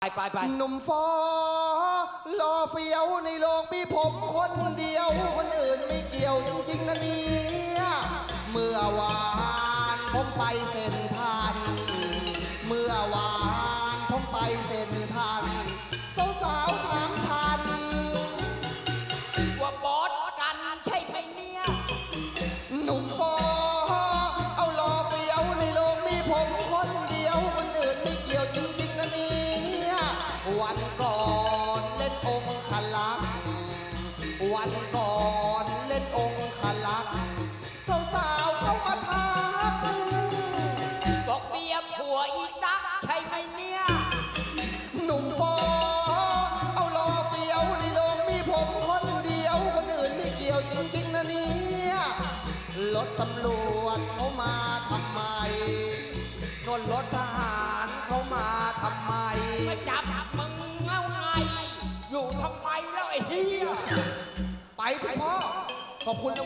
ไปหนุ่มฟอรอเฟี้ยวในโรงมีผมคนเดียวคนอื่นไม่เกี่ยวจริงๆนะเนี่ยเมื่อวานผมไปเซ็นทรัลเมื่อวานผมไปเซ็นทรัลสาวๆถามฉันว่าบอสกันใช่ไหมเนี่ยหนุ่มฟอเอารอเฟี้ยวในโรงมีผมคนเดียวคนอื่นไม่เกี่ยวจริงๆนะเนี่ยวันก่อนเล่นองค์ขลักษ์วันก่อนเล่นองค์ขลักษ์สาวๆเข้ามาทักบอกเบียร์ผัวอีตักใช่ไหมเนี่ยหนุ่มฟอเอารอเฟี้ยวในโรงมีผมคนเดียวคนอื่นไม่เกี่ยวจริงๆนะเนี่ยรถตำรวจเขามาทำไมนนรถทหารเขามาทำไมมาจับมึงเอาไงอยู่ทำไมแล้วไอ้เหี้ยไปเถอะพ่อขอบคุณ